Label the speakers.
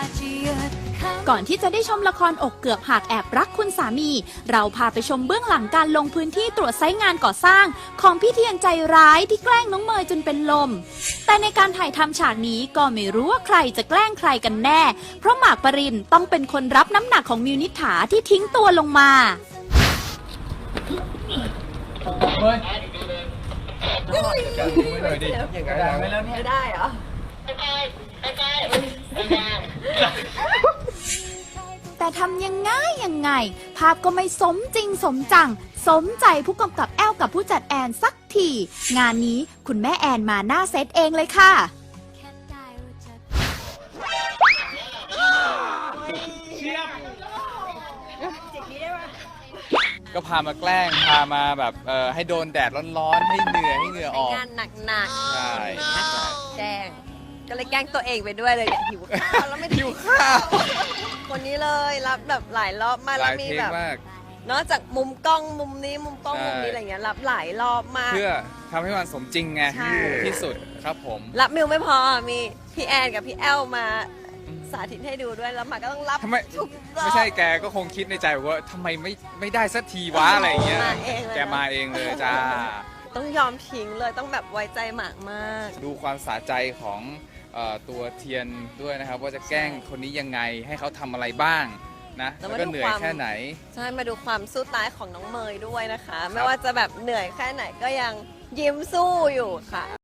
Speaker 1: ก่อนที่จะได้ชมละครอกเกือบหักแอบรักคุณสามี เราพาไปชมเบื้องหลังการลงพื้นที่ตรวจไซต์งานก่อสร้างของพี่เทียนใจร้ายที่แกล้งน้องเมยจนเป็นลม แต่ในการถ่ายทำฉากนี้ก็ไม่รู้ว่าใครจะแกล้งใครกันแน่ เพราะหมากปรินต้องเป็นคนรับน้ำหนักของมิวนิษฐาที่ทิ้งตัวลงมา
Speaker 2: ไม่ได้เหรอ
Speaker 1: แต่ทำยังไงภาพก็ไม่สมจริงสมจังสมใจผู้กำกับแอลกับผู้จัดแอนสักทีงานนี้คุณแม่แอนมาหน้าเซตเองเลยค่ะ
Speaker 3: ก็พามาแกล้งพามาแบบให้โดนแดดร้อนๆให้เหงื่อออก
Speaker 2: งานหนักๆ
Speaker 3: ใช่
Speaker 2: แกล้งก็เลยแกล้งตัวเองไปด้วยเลยเนี่ยหิวข้าวแล้วไม่ได้
Speaker 3: หิวข้าว
Speaker 2: คนนี้เลยรับแบบหลายรอบมาก
Speaker 3: ห
Speaker 2: แล้
Speaker 3: ลา
Speaker 2: วย มี
Speaker 3: เทค
Speaker 2: แบบ
Speaker 3: มาก
Speaker 2: นอกจากมุมกล้องมุมนี้มุมกล้อง
Speaker 3: ใช่
Speaker 2: มุมนี้อะไรเงี้ยรับหลายรอบมาก
Speaker 3: เพื่อทำให้มันสมจริงไง
Speaker 2: ใช่
Speaker 3: ที่สุดครับผม
Speaker 2: รับมิวไม่พอมีพี่แอนกับพี่แอลมาสาธิตให้ดูด้วยแล้วหมาก็ต้องรับ
Speaker 3: ทำไม
Speaker 2: ทุกรอบ
Speaker 3: ไม่ใช่แกก็คงคิดในใจว่าทำไมไม่ได้สักทีวะอะไรอย่างเงี้ย
Speaker 2: มาเองเลย
Speaker 3: แกมาเองเลยจ้า
Speaker 2: ต้องยอมทิ้งเลยต้องแบบไว้ใจหมากมาก
Speaker 3: ดูความสะใจของตัวเทียนด้วยนะครับ ว่าจะแกล้งคนนี้ยังไงให้เขาทำอะไรบ้างนะ
Speaker 2: แล้
Speaker 3: แล้ว ว
Speaker 2: มา
Speaker 3: ก็
Speaker 2: ดู
Speaker 3: เหนื่อย
Speaker 2: ความ
Speaker 3: แค่ไหน
Speaker 2: ใช่มาดูความสู้ตายของน้องเมยด้วยนะคะ ไม่ว่าจะแบบเหนื่อยแค่ไหนก็ยังยิ้มสู้อยู่ค่ะ